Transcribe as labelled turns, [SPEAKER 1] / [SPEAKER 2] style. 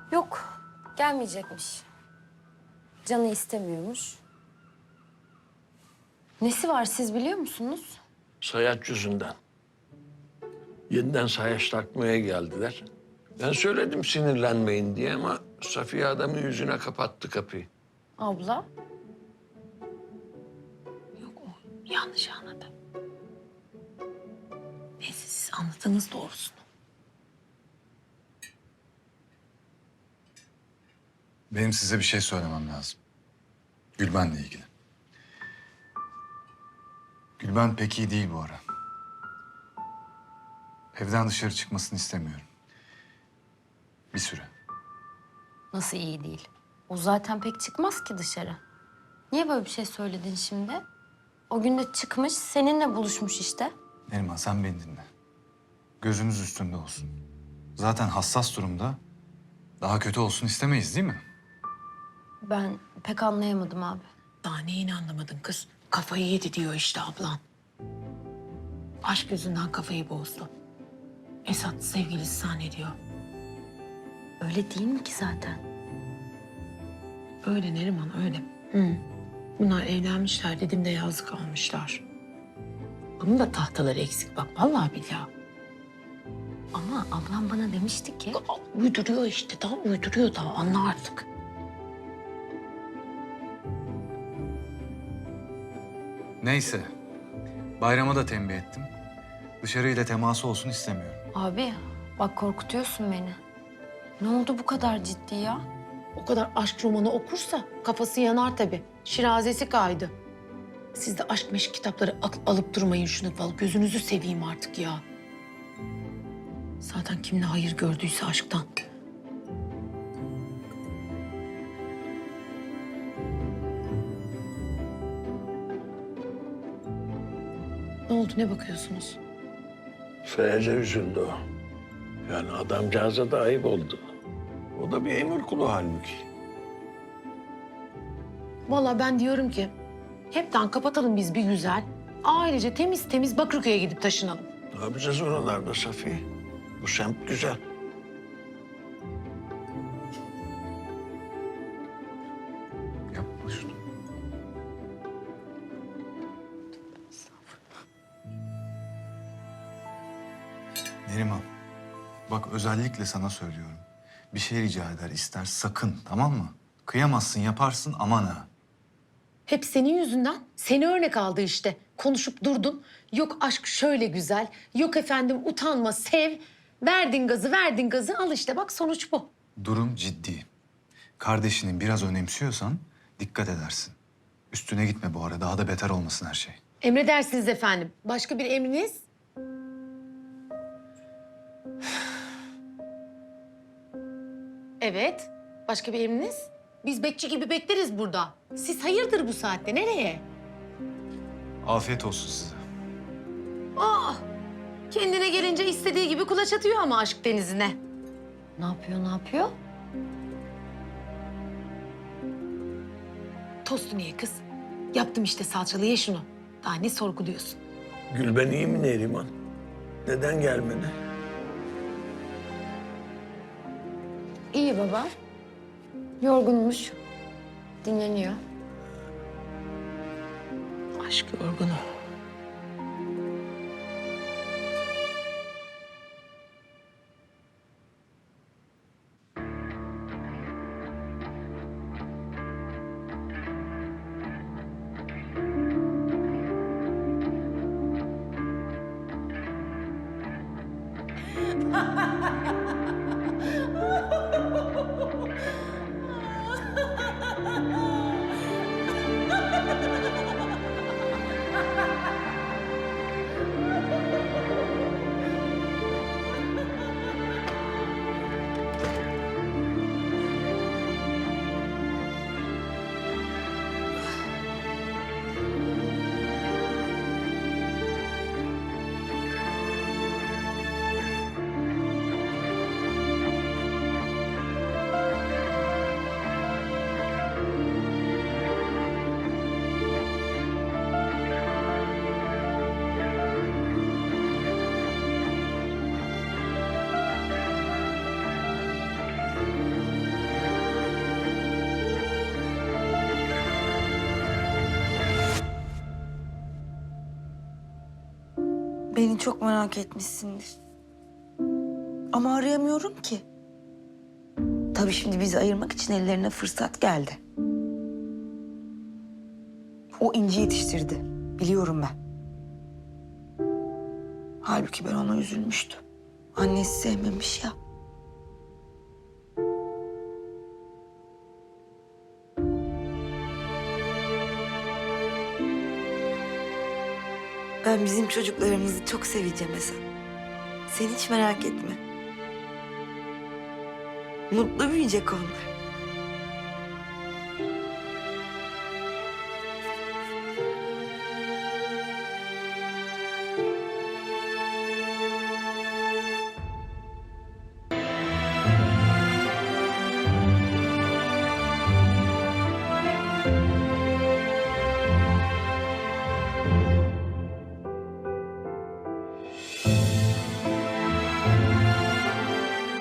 [SPEAKER 1] Yok, gelmeyecekmiş. Canı istemiyormuş. Nesi var siz biliyor musunuz?
[SPEAKER 2] Sayaç yüzünden. Yeniden sayaç takmaya geldiler. Ben söyledim sinirlenmeyin diye ama Safiye adamın yüzüne kapattı kapıyı.
[SPEAKER 1] Abla?
[SPEAKER 3] Yok o yanlış anladı. Neyse siz anladınız doğrusunu.
[SPEAKER 4] Benim size bir şey söylemem lazım. Gülben'le ilgili. Gülben pek iyi değil bu ara. Evden dışarı çıkmasını istemiyorum. Bir süre.
[SPEAKER 1] Nasıl iyi değil? O zaten pek çıkmaz ki dışarı. Niye böyle bir şey söyledin şimdi? O gün de çıkmış, seninle buluşmuş işte.
[SPEAKER 4] Neriman sen beni dinle. Gözümüz üstünde olsun. Zaten hassas durumda. Daha kötü olsun istemeyiz değil mi?
[SPEAKER 1] Ben pek anlayamadım abi.
[SPEAKER 3] Daha neyini anlamadın kız? Kafayı yedi diyor işte ablan. Aşk yüzünden kafayı bozdu. Esat sevgilisi zannediyor.
[SPEAKER 1] Öyle değil mi ki zaten?
[SPEAKER 3] Öyle Neriman öyle. Hı. Bunlar evlenmişler dedim de yazık almışlar. Bunun da tahtaları eksik bak vallahi billahi.
[SPEAKER 1] Ama ablam bana demişti ki...
[SPEAKER 3] Uyduruyor işte daha uyduruyor daha anla artık.
[SPEAKER 4] Neyse. Bayrama da tembih ettim. Dışarıyla teması olsun istemiyorum.
[SPEAKER 1] Abi bak korkutuyorsun beni. Ne oldu bu kadar ciddi ya?
[SPEAKER 3] O kadar aşk romanı okursa kafası yanar tabii. Şirazesi kaydı. Siz de aşk meşk kitapları alıp durmayın şunu falan. Gözünüzü seveyim artık ya. Zaten kim ne hayır gördüyse aşktan. Ne oldu ne bakıyorsunuz?
[SPEAKER 2] Sayaca üzüldü o. Yani adamcağıza da ayıp oldu. O da bir emir kulu halbuki.
[SPEAKER 3] Vallahi ben diyorum ki hepten kapatalım biz bir güzel. Ailece temiz temiz Bakırköy'e gidip taşınalım.
[SPEAKER 2] Ne yapacağız oralarda Safiye? Bu semt güzel.
[SPEAKER 4] Yapma şunu. Neriman, bak özellikle sana söylüyorum. Bir şey rica eder, ister sakın, tamam mı? Kıyamazsın, yaparsın, aman ha.
[SPEAKER 3] Hep senin yüzünden. Seni örnek aldı işte. Konuşup durdun. Yok aşk şöyle güzel. Yok efendim utanma, sev. Verdin gazı. Al işte bak sonuç bu.
[SPEAKER 4] Durum ciddi. Kardeşini biraz önemsiyorsan dikkat edersin. Üstüne gitme bu ara, daha da beter olmasın her şey.
[SPEAKER 3] Emredersiniz efendim. Başka bir emriniz? Evet. Başka bir emriniz? Biz bekçi gibi bekleriz burada. Siz hayırdır bu saatte? Nereye?
[SPEAKER 4] Afiyet olsun size.
[SPEAKER 3] Aa! Kendine gelince istediği gibi kulaç atıyor ama aşk denizine.
[SPEAKER 1] Ne yapıyor, ne yapıyor?
[SPEAKER 3] Tostu niye kız? Yaptım işte salçalı ye şunu. Daha ne sorguluyorsun?
[SPEAKER 2] Gülben iyi mi Neriman? Neden gelmedi?
[SPEAKER 1] İyi baba. Yorgunmuş. Dinleniyor.
[SPEAKER 3] Aşk yorgunu.
[SPEAKER 5] Beni çok merak etmişsindir. Ama arayamıyorum ki. Tabii şimdi bizi ayırmak için ellerine fırsat geldi. O İnci yetiştirdi. Biliyorum ben. Halbuki ben ona üzülmüştüm. Annesi sevmemiş ya. Ben bizim çocuklarımızı çok seveceğim Hasan. Sen hiç merak etme. Mutlu büyüyecek onlar.